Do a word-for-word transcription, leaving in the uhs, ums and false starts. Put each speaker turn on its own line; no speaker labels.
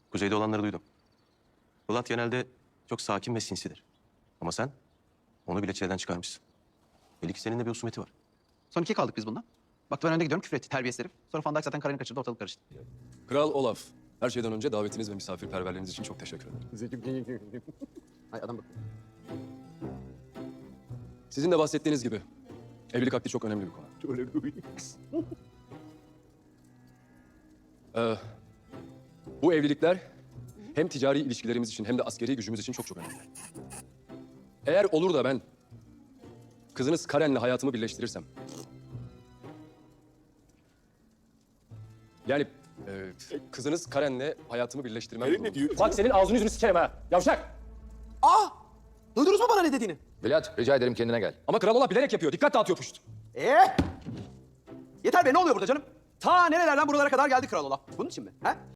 Kuzeyde olanları duydum. Polat genelde çok sakin ve sinsidir. Ama sen onu bile çileden çıkarmışsın. Belli ki seninle bir husumeti var.
Son ikiye kaldık biz bununla. Bak ben önde gidiyorum, küfür etti terbiyesiz herif. Sonra Van Dijk zaten karını kaçırdı, ortalık karıştı.
Kral Olaf, her şeyden önce davetiniz ve misafirperverliğiniz için çok teşekkür ederim.
Ay adam bak.
Sizin de bahsettiğiniz gibi evlilik akdi çok önemli bir konu.
Çok önemli.
Ee, bu evlilikler hem ticari ilişkilerimiz için hem de askeri gücümüz için çok çok önemli. Eğer olur da ben kızınız Karen'le hayatımı birleştirirsem... Yani e, kızınız Karen'le hayatımı birleştirmem...
Karen ne diyor?
Bak senin ağzını yüzünü sikerim ha, yavşak!
Aa! Duydunuz mu bana ne dediğini?
Bilat, rica ederim kendine gel.
Ama Kral Olaf bilerek yapıyor, dikkat dağıtıyor puşt.
Ee? Yeter be, ne oluyor burada canım? Ta nerelerden buralara kadar geldi Kral Olaf. Bunun için mi? He?